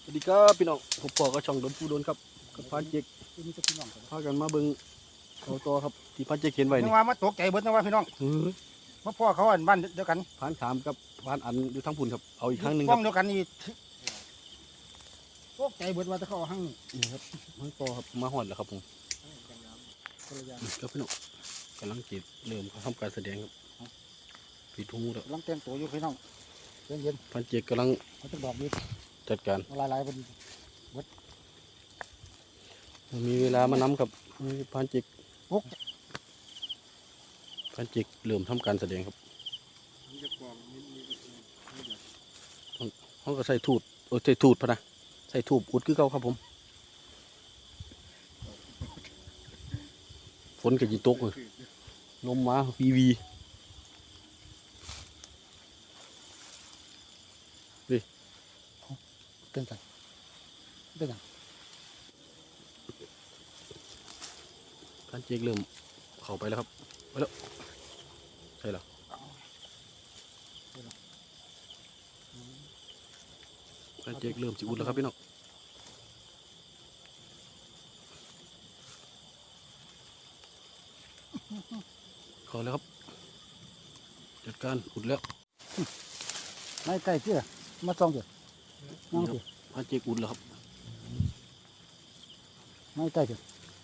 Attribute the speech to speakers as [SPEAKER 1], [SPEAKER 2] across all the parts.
[SPEAKER 1] สวัสดีครับพี่น้องผมปอก็ช่องโดนผู้โดนครับกับพานเจกพากันมาเบิ่งเอาต่อครับที่พานเจกเห็นไว้
[SPEAKER 2] นึ
[SPEAKER 1] นี่
[SPEAKER 2] กว่ามาตกใจเบิดนึกว่าพี่น้องมาพ่อเขาอันบ้านเดียวกัน
[SPEAKER 1] พานถามกับพานอันอยู่ทั้งพุ่นครับเอาอีกครั้งหนึ่งค
[SPEAKER 2] ป้
[SPEAKER 1] รั
[SPEAKER 2] อบ งเดียวกันนี่ตกใจเบิดว่าจะเข้าห้าง
[SPEAKER 1] นี่ครับมันต่อครับมาหอดแล้วครับผมครับพี่น้องกำลังจีเริ่มทำการแสดงครับปิดหูแล้ว
[SPEAKER 2] กำลังแต่งตัวอยู่พี่น้องเย็น
[SPEAKER 1] พานเจกกำลัง
[SPEAKER 2] ๆเขาจะดอกดี
[SPEAKER 1] จัดการ
[SPEAKER 2] ลายๆบน
[SPEAKER 1] มีเวลามานำครับพานเจก
[SPEAKER 2] ปุ๊ก
[SPEAKER 1] พานเจกเริ่มทำการแสดงครับเขาก็ใส่ทูดใส่ทูดพะนะใส่ทูบอุดคือเก่าครับผมฝนกับยีตกเลยลมมาวี
[SPEAKER 2] เต้นกันเต้นกัน
[SPEAKER 1] ท่านเจกเริ่มเข้าไปแล้วครับไปแล้วใช่แล้วท่านเจกเริ่มจิอุดแล้วครับพี่น้องเข้าแล้วครับจัดการอุดแล้ว
[SPEAKER 2] ไม่ใกล้เชื่อมาส่องเถอะน้องเถอะ
[SPEAKER 1] ท่านเจกอุดแล้วครับ
[SPEAKER 2] ไม่ใกล้เถอะ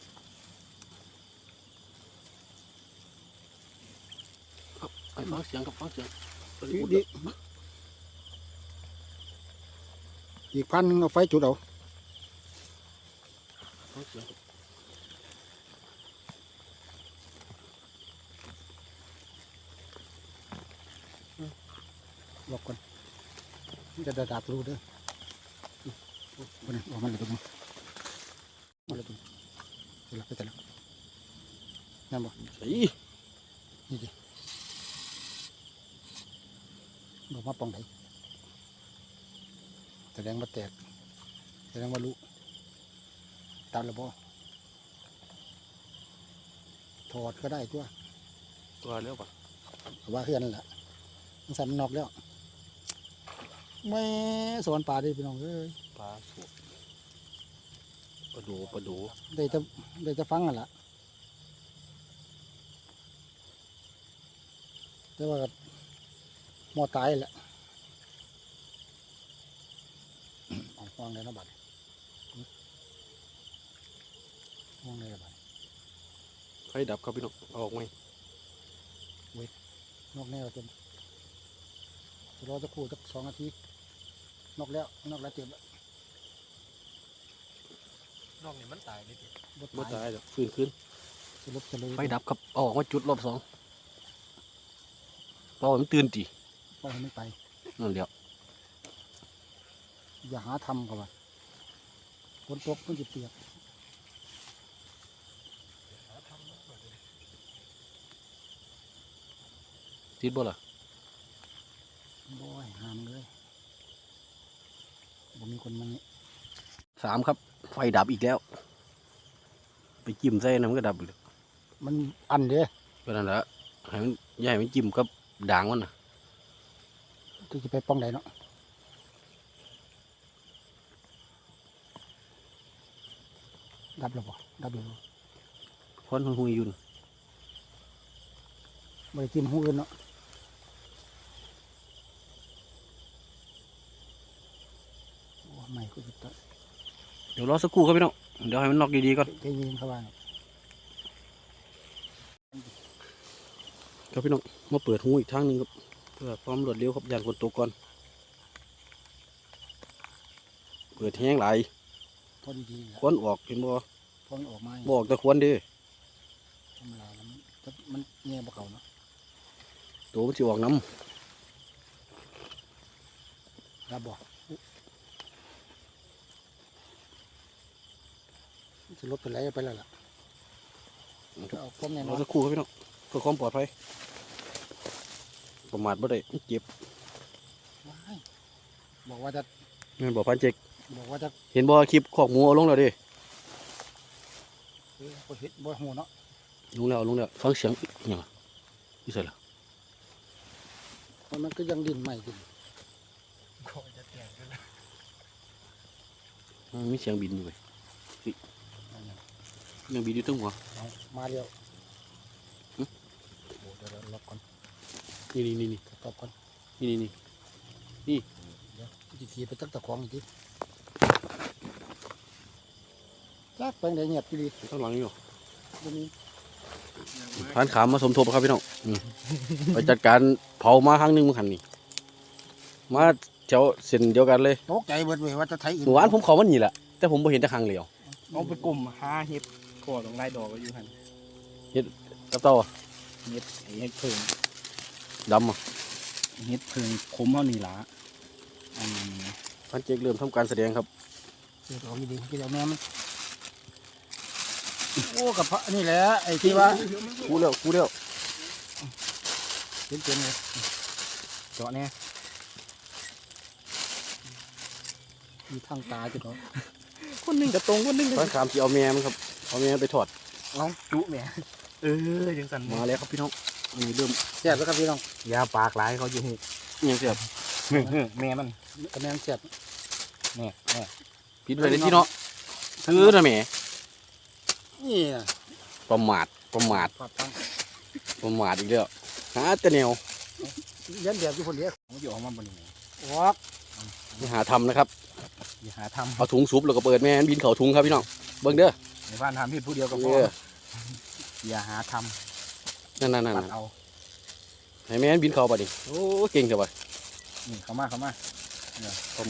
[SPEAKER 1] ไอ้ฟังเสียงครับฟังเสียงอุด
[SPEAKER 2] ดี
[SPEAKER 1] แล้ว
[SPEAKER 2] อีกพันหนึ่งเอาไฟจุดเอา
[SPEAKER 1] ฟังเสียงครับ
[SPEAKER 2] หลบก่อนจะดาบรู้เด้อคนนี้ออกมาเลยตรงนี้มาเลยตรงนี้เสร็จแล้วไปแต่แล้วนั่นบ่
[SPEAKER 1] ใส่
[SPEAKER 2] นี่ดิบอกมาปองไหนแสดงว่าแตกแสดงว่ารู้ตามระบบถอดก็ได้ตัว
[SPEAKER 1] ตัวแล้วปะ
[SPEAKER 2] ว่าเฮือนนั่นแหละมันสั่นนอกแล้วไม่สอนป่าดิพี่น้องเอ้ย
[SPEAKER 1] ปลาสวดปลาโดปลาโด
[SPEAKER 2] ได้จะฟังกันละแต่ว่าหมอตายแหละเอาฟังเลยนะบัดฟังเลยนะบัด
[SPEAKER 1] ไฟดับครับพี่น้องเอาออกไหม
[SPEAKER 2] นอกแนวจนรอจะคู่สัก2 นาทีนอกแล้วเจ็บแล้ว
[SPEAKER 3] นอกนี่มันตายเลยที
[SPEAKER 1] ไม่ตายหรอกฟื้นขึ้น
[SPEAKER 2] สลบจะเลย
[SPEAKER 1] ไฟดับครับเอาออกมาจุดรอบสองเพราะว่ามันตื่นตี
[SPEAKER 2] ปล่อยให้มันไป
[SPEAKER 1] นั่นเดียว
[SPEAKER 2] อย่าหาทำกันว่าฝนตกมันจะเปียก
[SPEAKER 1] ติดบ่ล่ะ
[SPEAKER 2] บ่อยหามเลยบ่มีคนมานี่
[SPEAKER 1] 3ครับไฟดับอีกแล้ว ไปจิ้มใส่น้ำมันก็ดับอีกแล้ว
[SPEAKER 2] มันอันเด้
[SPEAKER 1] ก็นั่นแหละให้มันอย่าให้มันจิ้มกับด่างมันนะ
[SPEAKER 2] จะไปป้องไหนเนาะดับแล้วบ่ดับอยู่
[SPEAKER 1] ควันหุยๆอยู่น่ะ
[SPEAKER 2] บ่ได้จิ้มหูอื่นเนาะโอ้ไม่ก็จะ
[SPEAKER 1] เดี๋ยวรอสักครู่ครับพี่น้องเดี๋ยวให้มันนอกดีๆก่อน
[SPEAKER 2] ใจเย็นเข้าบ้าน
[SPEAKER 1] ครับพี่น้องมาเปิดหูอีกทางหนึงครับเพื่อความรวดเร็วครับยานคนตกก่อนเปิดแห้งหลาย
[SPEAKER 2] พอดีๆแหละ
[SPEAKER 1] ควันออกเห็นบ่
[SPEAKER 2] พอมันออกมา
[SPEAKER 1] บ่ออกแต่ควันเด้
[SPEAKER 2] ธรรมดาแล้วมันแง่บ่เขาเนาะ
[SPEAKER 1] ตัวมันสิออกน้
[SPEAKER 2] ดับบ่จะลดไปไหนไปแล้วล่ะ
[SPEAKER 1] ำ
[SPEAKER 2] เอาความแน่น
[SPEAKER 1] ร
[SPEAKER 2] อ
[SPEAKER 1] อน สักครู่ครับพี่น้องเพื่อความปลอดภัยประมาทบ่ได้มันเจ็บ
[SPEAKER 2] ว้ายบอกว่าจะ
[SPEAKER 1] แม่นบ่พันเจก
[SPEAKER 2] บอกว่าจะ
[SPEAKER 1] เห็นบ่คลิปขอกหมูเอาลงแล้วเดิ
[SPEAKER 2] บ่เฮ็ดบ่หูเนาะ
[SPEAKER 1] ลงแล้วลงแล้วฟังเสียงอิหยังล่ะนี่ใส่ละ
[SPEAKER 2] มันก็ยังดินใหม่ดิน
[SPEAKER 3] ก็จะแตกกันแล้ว
[SPEAKER 1] มีเสียงบินอยู่เว้ยยังบินอยู่ตึ้งหัว
[SPEAKER 2] เอามาเร็วโอ้เดี๋ยวล็อกก่อน
[SPEAKER 1] นี่
[SPEAKER 2] ตอบก่อน
[SPEAKER 1] นี่
[SPEAKER 2] เดี๋ยวจีทีไปตั้งตะของอีกทีจักไปไหนเงียบดี
[SPEAKER 1] ข้างหลังอยู่
[SPEAKER 2] วันนี้
[SPEAKER 1] ผ่านขามมาสมทบครับพี่น้องไปจัดการเผามาครั้งหนึงมื้อหันนี่มาแถวเส้นเดียวกันเลย
[SPEAKER 2] ตกใจเบิดเว้ยว่าจะไทยอื่น
[SPEAKER 1] เมื่อวานผมเขามันนี่แหละแต่ผมบ่เห็นแต่ครั้งเดียว
[SPEAKER 3] เอาไปกลุ่มหาเห็ดขอดของไร่ดอกก็อยู่หัน
[SPEAKER 1] กับเต้าอะ
[SPEAKER 3] เห็ดไอ้เห็ดเพิง
[SPEAKER 1] ดำอ่ะ
[SPEAKER 3] เห็ดเพิงคมเอานี่ล่ะ
[SPEAKER 1] พันเจกเริ่มทำการแสดงครับ
[SPEAKER 2] เดี๋ยวเอาดีๆกินเอาแม่มันโอ้กับพระนี่แหละไอ้ที่ว่า
[SPEAKER 1] กูแล้ว
[SPEAKER 2] เต็มเลย
[SPEAKER 3] เจาะเนี่ย
[SPEAKER 2] มีทางตาจุดเนาะ
[SPEAKER 3] คนหนึ่งกระตรงคนหนึ่ง
[SPEAKER 1] พันขามที่เอาแม่มันครับเอาแม่ไปถอด
[SPEAKER 2] เอาจุแม่
[SPEAKER 3] ยังสั่น
[SPEAKER 1] มาแล้วครับพี่น้องอันนี้เริ่ม
[SPEAKER 2] แซ่บแล้วครับพี่น้อง
[SPEAKER 3] ยาปากหลายเขาอยู่หู
[SPEAKER 1] ยังเสียบ
[SPEAKER 3] แม่มัน
[SPEAKER 2] กระแมงแซ่บ
[SPEAKER 3] แม่
[SPEAKER 1] ปิดไว้เลยที่เนาะคือนะแหม่
[SPEAKER 2] นี่นะ
[SPEAKER 1] ประมาท
[SPEAKER 2] ปาดตัง
[SPEAKER 1] อีกแล้วหาแต่แนว
[SPEAKER 2] ยันแบบอยู่คนเดียว
[SPEAKER 3] เขาอยู่ออกมาบนนี้
[SPEAKER 2] วัก
[SPEAKER 1] อย่าหาทำนะครับ
[SPEAKER 3] อย่าหาท
[SPEAKER 1] เอาถุงซุปแล้วก็เปิดแม่นบินเข่าถุงครับพี่น้องเบิ่งเด้อ
[SPEAKER 3] ำในบ้านทำพี่ผู้เดียวก็พ
[SPEAKER 1] เอ
[SPEAKER 3] อ
[SPEAKER 1] อ
[SPEAKER 3] อย่าหาท
[SPEAKER 1] นั่น
[SPEAKER 3] ำปัดเอา
[SPEAKER 1] ให้แม่นบินเข่าไปดิโอ้เก่งจังวะ
[SPEAKER 3] นี่เข้ามา
[SPEAKER 1] ประมาทเอา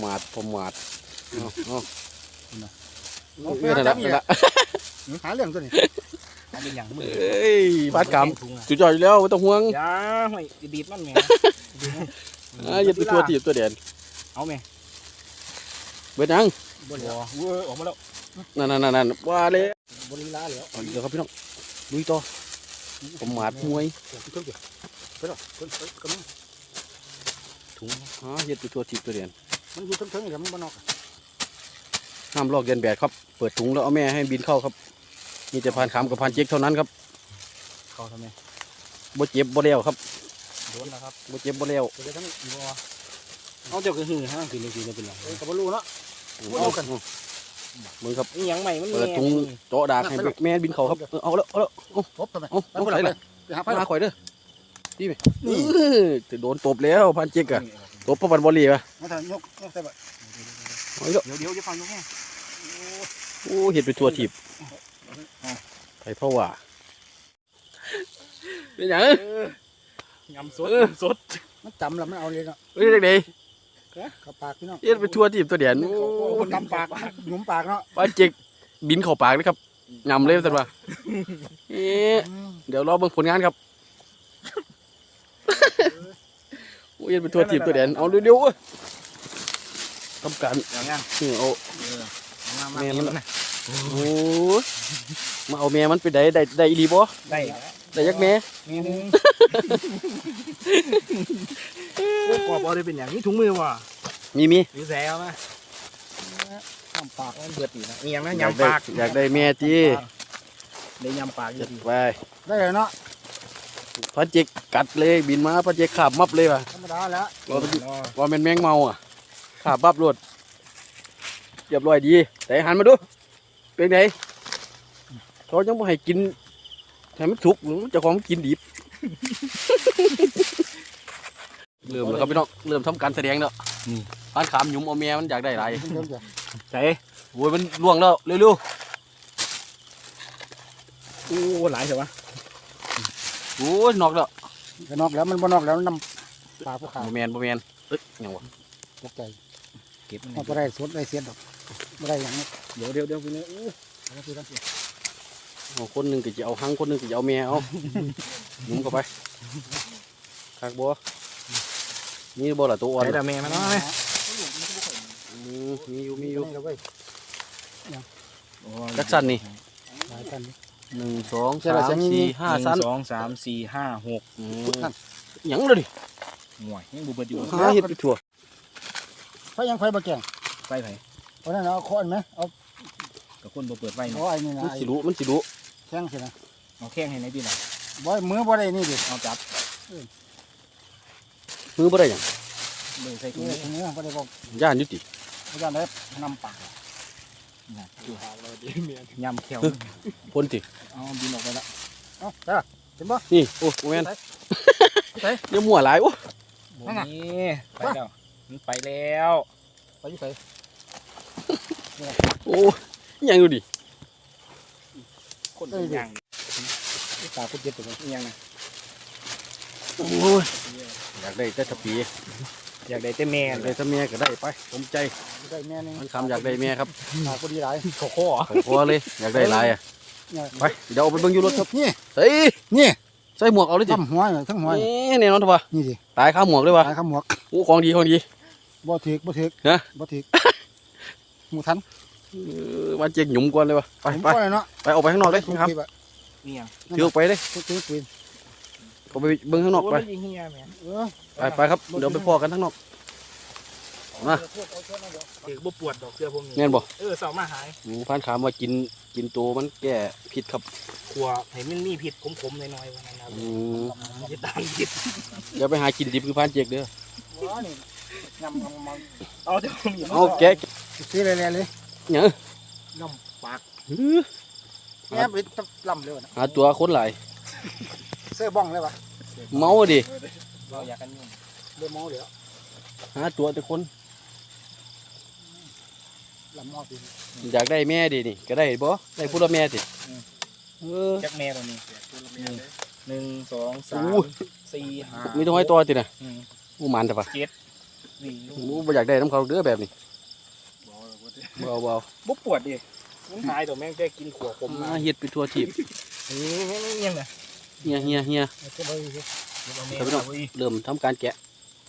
[SPEAKER 1] นั่นละ
[SPEAKER 2] หาเรื่องตัวนี้
[SPEAKER 3] เอาเป็นอย่างมือ
[SPEAKER 1] เอ้ยบาดกรรมจุดจ่อยอยู่แล้วไม่ต้องห่วง
[SPEAKER 3] อย่าห่วยดีดมันแม่
[SPEAKER 1] อย่าไปตัวตีบตัวเด่น
[SPEAKER 3] เอาแม่
[SPEAKER 1] เบิดยัง
[SPEAKER 2] บริ
[SPEAKER 3] บัวเว้ยออกมาแล้ว
[SPEAKER 1] นั่นว่าเลย
[SPEAKER 2] บริลาแล้ว
[SPEAKER 1] เอาอีกแล้วครับพี่น้องลุยต่อประมาทมวย
[SPEAKER 2] เครื่องเดียวไปหรอกคนกำลัง
[SPEAKER 1] ถุงเฮ็ดไปตัวตีบตัวเด่น
[SPEAKER 2] มันอยู่ทั้งๆเดี๋ยวมันบ้านนอก
[SPEAKER 1] ห้ามลอกเลียนแบบครับเปิดถุงแล้วเอาแม่ให้บินเข้าครับมีแต่พานขามกับพานเจ๊กเท่านั้นครับ
[SPEAKER 3] เข้าทำไม
[SPEAKER 1] บ่เจ็บบ่เลี้ยวครับ
[SPEAKER 3] โดนแล้วครับ
[SPEAKER 1] บ่เจ็บบ่เลี้ยว
[SPEAKER 2] เดี๋ยวทั้งอีบัว
[SPEAKER 3] เอาเจ้าก็หือห้างคืนนึงเป็นไร
[SPEAKER 2] กับบรูเนาะ
[SPEAKER 1] เอากันมึงครับ
[SPEAKER 3] นี่ยังใหม่มัน
[SPEAKER 1] เปิดถุงเจาะดากให้แม่บินเข้าครับเอาแล้ว
[SPEAKER 2] พบทำไม
[SPEAKER 1] เอาไปไหน
[SPEAKER 2] ไปหาไฟ
[SPEAKER 1] มาข่อยเด้อพี่ไปจะโดนตบแล้วพานเจ๊กอะตบเพราะวันบอลลีป่ะ
[SPEAKER 2] มาถ่ายยกใส่แบบ
[SPEAKER 1] เอาอีกแล้ว
[SPEAKER 3] เดี๋ยวจะฟังยกแม่
[SPEAKER 1] โอ้เห็ดเป็นตัวถีบไปเพราะว่าเป็นอย่าง
[SPEAKER 3] ยำสด
[SPEAKER 2] มันจำแล้วมันเอาเลยเนาะ
[SPEAKER 1] เฮ้ยเด็ก
[SPEAKER 2] เข้าปากพี่น้อง
[SPEAKER 1] ๆเห็ดเป็นตัวถีบตัวเดียน
[SPEAKER 2] คนตำปากหยุมปากเนาะ
[SPEAKER 1] ว่าเจ๊กบินเข้าปากเลยครับยำเลยสันว่าเดี๋ยวรอเบิ่งผลงานครับโอ้เห็ดเป็นตัวถีบตัวเดียนเอาเร็วๆทำการ
[SPEAKER 3] อย่างงั้น
[SPEAKER 1] เอา
[SPEAKER 3] มา
[SPEAKER 1] แม่มันนะโอ้มาเอาแม่มันไปได้อีหลีบ่
[SPEAKER 3] ได้
[SPEAKER 1] ได้ยักแม่
[SPEAKER 3] มีนึงกรอบเอาได้เป็นอย่างนี้ถุงมือว่ะ
[SPEAKER 1] มี
[SPEAKER 3] มีแซวนะ
[SPEAKER 2] ทำปาก
[SPEAKER 3] มันเบิดอีกนะมีอย่างนั้น
[SPEAKER 1] อยาก
[SPEAKER 3] ยำ
[SPEAKER 1] ได้
[SPEAKER 3] ปาก
[SPEAKER 1] อยากได้แม่จี
[SPEAKER 3] ได้ยำปากเย
[SPEAKER 1] จั
[SPEAKER 3] อะ
[SPEAKER 1] ด
[SPEAKER 3] ดี
[SPEAKER 1] ไป
[SPEAKER 2] ได้เลยเนาะ
[SPEAKER 1] พระเจกกัดเลยบินมาพระเจกขาบมับเลยว่ะ
[SPEAKER 2] ธรรมดาแล้ว
[SPEAKER 1] ว่าเป็นแมงเมาอ่ะขาบบับรวดเรียบร้อยดีแต่หันมาดูเป็นไงเขายังไม่ให้กินให้มันสุกเจะของมันกินดิบ เริ่มแล้วครับพี่น้องเริ่มทำการแสดงแล้วพานขามหยุมเอาแม่มันอยากได้ไร
[SPEAKER 2] เริ่มจาก
[SPEAKER 3] ใส่
[SPEAKER 1] โอ้ยมันล่วงแล้วเร็ว
[SPEAKER 3] โอ้หลายเถอะวะ
[SPEAKER 1] ๆโอ้ยนอกแล้ว
[SPEAKER 2] นอกแล้วมันบ่นอกแล้วนำปากผู้ขา
[SPEAKER 1] บ่แมนเอ้ยยังวะ
[SPEAKER 2] ตกใจ
[SPEAKER 3] เก็บมัน
[SPEAKER 2] มันบ่ได้สดได้เสียดอกบ่ได้อย่างนี้
[SPEAKER 3] เดี๋ยวไปเนี่ย
[SPEAKER 2] เอาสิครับ
[SPEAKER 1] เอาคนหนึ่งก็จะเอาหังคนหนึ่งก็จะเอาแม่เอาหยุมเข้าไปคักบัวนี่บ่ละตัวอ่อน
[SPEAKER 3] ใส่แต่แม่มันเนาะ
[SPEAKER 1] มีอยู่
[SPEAKER 2] นี่เราเว้ย
[SPEAKER 1] จักสันนี่
[SPEAKER 2] หลายกัน
[SPEAKER 1] 1 2 3 4 5สั้น
[SPEAKER 3] 1 2 3 4 5 6
[SPEAKER 1] หยังเลยดิ
[SPEAKER 3] หน่วยยังบุบอยู่
[SPEAKER 1] หาเห็ดไปทั่ว
[SPEAKER 2] ไฟยังไฟบ่แก่ง
[SPEAKER 3] ไฟไผ่
[SPEAKER 2] เพราะนั้นเอาค้อนไหมเอา
[SPEAKER 3] กับคนบ่เปิดไฟ
[SPEAKER 2] เอา
[SPEAKER 3] เนาะ
[SPEAKER 2] ไอ้นี่นะ
[SPEAKER 1] มัน
[SPEAKER 2] ไอ้
[SPEAKER 1] สิรู้มันสิรู้
[SPEAKER 2] แข้งสินะ
[SPEAKER 3] เอาแข้งให้ในพี่หน่อย
[SPEAKER 2] บ่มือบ่ได้นี่ดิ
[SPEAKER 3] เอาจับ
[SPEAKER 1] มือบ่ได้หยัง
[SPEAKER 3] เดินใส่ถุง
[SPEAKER 2] นี่
[SPEAKER 3] นี้
[SPEAKER 2] ทีนี้บ่ได้บอก
[SPEAKER 1] ย่านอยู่ติ
[SPEAKER 2] อาจารย์ได้นำปากน่ะ
[SPEAKER 3] อยู่ห่างเราดีเมียน
[SPEAKER 2] ยำเขียว
[SPEAKER 1] พ่นสิ
[SPEAKER 2] เอาบินออกไปละเอ้าจ้าเห็นบ่
[SPEAKER 1] นี่โอ้โหแม่นเนี่ยมั่วหลายโอ้
[SPEAKER 2] นั่นน่ะ
[SPEAKER 3] นี่ไปแล้วมันไปแล้ว
[SPEAKER 2] ไปอยู่ไส
[SPEAKER 1] โอ้ยังดูดิ
[SPEAKER 3] คนเป็นอย่าง
[SPEAKER 2] ตากูเจ็บตัวนี้
[SPEAKER 3] อย่างนะ
[SPEAKER 1] โอ้ยอยากได้แต่ตะปี
[SPEAKER 3] อยากได้แต่แม่
[SPEAKER 1] อยาก
[SPEAKER 3] เล
[SPEAKER 1] ได้
[SPEAKER 3] ย
[SPEAKER 1] แตะเมียก็ได้ไปสมใจ
[SPEAKER 2] ได้แม่นึง
[SPEAKER 1] มันคำอยากได้เมียครับ
[SPEAKER 2] ตากูดีหลาย
[SPEAKER 3] โคโค่
[SPEAKER 1] พอเลยอยากได้หลายอ่ะ
[SPEAKER 2] เนี่ย
[SPEAKER 1] ไปเดี๋ยวเอาไปเบิ่งอยู่รถครับ
[SPEAKER 2] นี่
[SPEAKER 1] เฮ้ย
[SPEAKER 2] นี่
[SPEAKER 1] ใส่หมวกเอาเลยจิ
[SPEAKER 2] ทำหัวเนี่ยทั้งหัวเนี่ย
[SPEAKER 1] นี่แน่นอนทุกวะ
[SPEAKER 2] นี่สิ
[SPEAKER 1] ตายข้าหมวกเลยวะ
[SPEAKER 2] ตายข้ามหมวก
[SPEAKER 1] โอ้ของดีของดี
[SPEAKER 2] บ่ถึกบ่ถึก
[SPEAKER 1] ฮะ
[SPEAKER 2] บ่ถึกหมูทัน
[SPEAKER 1] มาเจียงหยุ่มก่อนเลยวะไป
[SPEAKER 2] ผม
[SPEAKER 1] ไป
[SPEAKER 2] ก็เลยเนาะ
[SPEAKER 1] ไปออกไปข้างนอกเลยครับ
[SPEAKER 3] นี่ยัง
[SPEAKER 1] ถือออกไปเลย
[SPEAKER 2] ถือปืน
[SPEAKER 1] ออกไปเบิ่งข้างนอกไป
[SPEAKER 3] ยิงเฮียแม่
[SPEAKER 2] เออ
[SPEAKER 1] ไปครับเดี๋ยวไปพอกันข้างนอก มา
[SPEAKER 3] ถือบ่ปวดดอกเสื้อพวกนี้
[SPEAKER 1] แม่นบ่
[SPEAKER 3] เสามาหาย
[SPEAKER 1] พันขามว่ากินตัวมันแก้พิษครับ
[SPEAKER 3] ขัวให้มันมีผิดขมๆหน่อยๆวันนั้นนะ มันจะตายผิด
[SPEAKER 1] อย่าไปหากินดิบคือพันเจกเด้อ
[SPEAKER 2] ว้านี่ยำมัน
[SPEAKER 3] เอาแต่ผมอย่ามา
[SPEAKER 1] เอาแกะ
[SPEAKER 2] ซื้อเลยเลย
[SPEAKER 1] เนี่ย
[SPEAKER 3] น้ำปาก
[SPEAKER 2] แง่ไปลำเลยนะ
[SPEAKER 1] หาตัวคนหลาย
[SPEAKER 2] เสื้อบ้องเลยวะ
[SPEAKER 1] เมาดิ
[SPEAKER 3] เราอยากกันยุ่ง
[SPEAKER 2] เรือมอเดี๋ยว
[SPEAKER 1] หาตัวแต่คน
[SPEAKER 2] ลำมอปี
[SPEAKER 1] อยากได้แม่ดินี่ก็ได้บ่ได้พูดละแม่สิเออ
[SPEAKER 3] จักแม่ตัวนี้หนึ่งสองสาม
[SPEAKER 1] อู้
[SPEAKER 3] สี่ห้า
[SPEAKER 1] มีตัวให้ตัวติน่ะ
[SPEAKER 3] อืม
[SPEAKER 1] อู้มันแต่ปะ
[SPEAKER 3] นี่
[SPEAKER 1] อู้บ่อยากได้น้ำเขาเด้อแบบนี้บ่เอา
[SPEAKER 3] บ่ปวดดิมันหายตัวแม่งแค่กินขัวขมมา
[SPEAKER 1] เฮ็ดไปทั่วทีบ
[SPEAKER 3] นี่ยังไง
[SPEAKER 1] เฮีย
[SPEAKER 2] จะไป
[SPEAKER 3] เอาแม่เอาอี
[SPEAKER 1] เริ่มทำการแกะ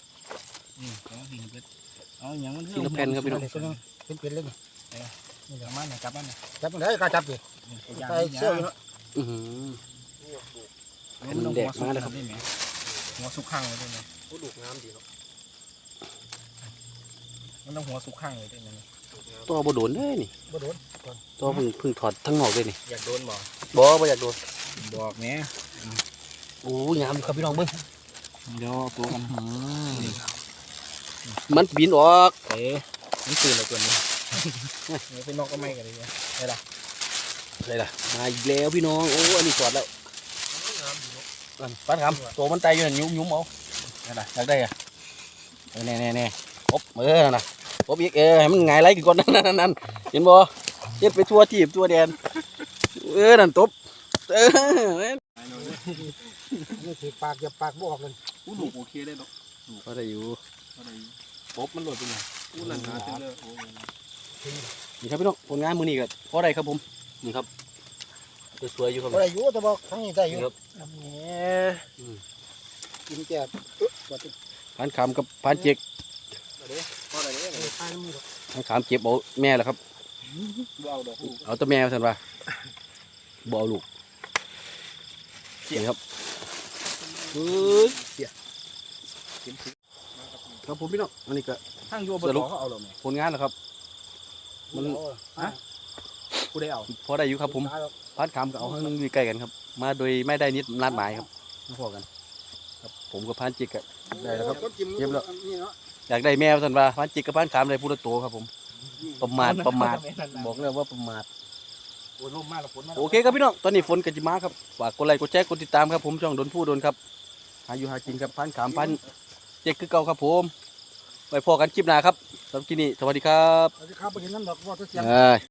[SPEAKER 3] เอาอย่างมัน
[SPEAKER 1] ทีละแผ่นครับพี่น้อง
[SPEAKER 2] เป็นเลย
[SPEAKER 3] นี่เดี๋ยวมันกลับมัน
[SPEAKER 2] จับมันได้ก็จับดิใส่เสื้ออยู่เนาะ
[SPEAKER 1] อื้อหือ
[SPEAKER 3] หัวสุกข้างเลยด้วยไหมผู้ดูงามดีเนาะมันต้องหัวสุกข้างเลยด้วยไหม
[SPEAKER 1] ตัวบ่โดนเด้นี่
[SPEAKER 2] บ่โดน
[SPEAKER 1] ตัวเพิ่งถอดทั้งนอกเลยนี่
[SPEAKER 3] อยากโดนบ่
[SPEAKER 1] บ่อยากโดน
[SPEAKER 3] บอกแม่
[SPEAKER 1] โอ้งามอยู่ครับพี่น้องเบิ่ง
[SPEAKER 3] เดี๋ยวตัวกัน
[SPEAKER 1] มันบินออก
[SPEAKER 3] เอ๊ะมันตื่นเลยตัวนี้นี่เป็นนกก็ไม่กันเลยเนี่ยได้ละ
[SPEAKER 1] อะไรล่ะมาอีกแล้วพี่น้องโอ้อันนี้จอดแล้วปันคำตัวมันไตอยู่นั่นยุ่มเอานั่นน่ะอยากได้อะแน่ครบนั่นน่ะครบอีกให้มันหงายไหลกี่คนนั่นเห็นบ่เฮ็ดไปทั่วทีบทั่วแดนนั่นตบ
[SPEAKER 2] นี่ถือปากอย่าปากบ่ออกเลย
[SPEAKER 3] ผู้ดูโอเคได้เนาะ
[SPEAKER 1] ก็ได้อยู่
[SPEAKER 3] ปบมันหลุดไปไหนผู้นั่นหาเต็มเลย
[SPEAKER 1] นี่ครับพี่น้องผลงานมื้อนี้ก็พอได้ครับผมนี่ครับสวยๆอยู่ครับ
[SPEAKER 2] บ่ได้อยู่แต่บ่ครั้งนี้ได้อยู่
[SPEAKER 1] ครับ
[SPEAKER 2] กินแก่
[SPEAKER 1] พันคำกับพันเจก
[SPEAKER 3] พออะไรเนี่ย
[SPEAKER 2] ทานมือ
[SPEAKER 1] พันคำเก็บเอาแม่แหละครับ
[SPEAKER 3] เอาดอก
[SPEAKER 1] เอาตัวแม่สันว่าบ่เอาลูกนี่ครับครับผมพี่น้องอันนี้ก็
[SPEAKER 3] ทั้งโยบดเขาเอาหรอไหม
[SPEAKER 1] ผลงานแล้วครับ มัน
[SPEAKER 3] กูได้เอา
[SPEAKER 1] พอได้อยู่ครับผมพันคำกับเอาข้างนึงอยู่ใกล้กันครับ มาโดยไม่ได้นิดนัดหมายครับมาพอกัน ครับผมกับพันจิกอะได้แล้วครับ อยากได้แมวสันว่าพันจิกกับพันคำได้พูดโตครับผม ประมาทบอกเลยว่าประมาท
[SPEAKER 3] โอ้ยลมมากแล้วฝนมา
[SPEAKER 1] โอเคครับพี่น้องตอนนี้ฝนกระจิมาครับฝากกดไลค์กดแชร์กดติดตามครับผมช่องโดนพูดโดนครับหาอยู่หากินครับพันขามพันเจ๊กคือเก่าครับผมไปพอกันคลิปหน้าครับสำหรับคลิปนี้สวัสดีครับ
[SPEAKER 2] สวัสดีครับไปกินน้ำดอกว่าตัวเสียง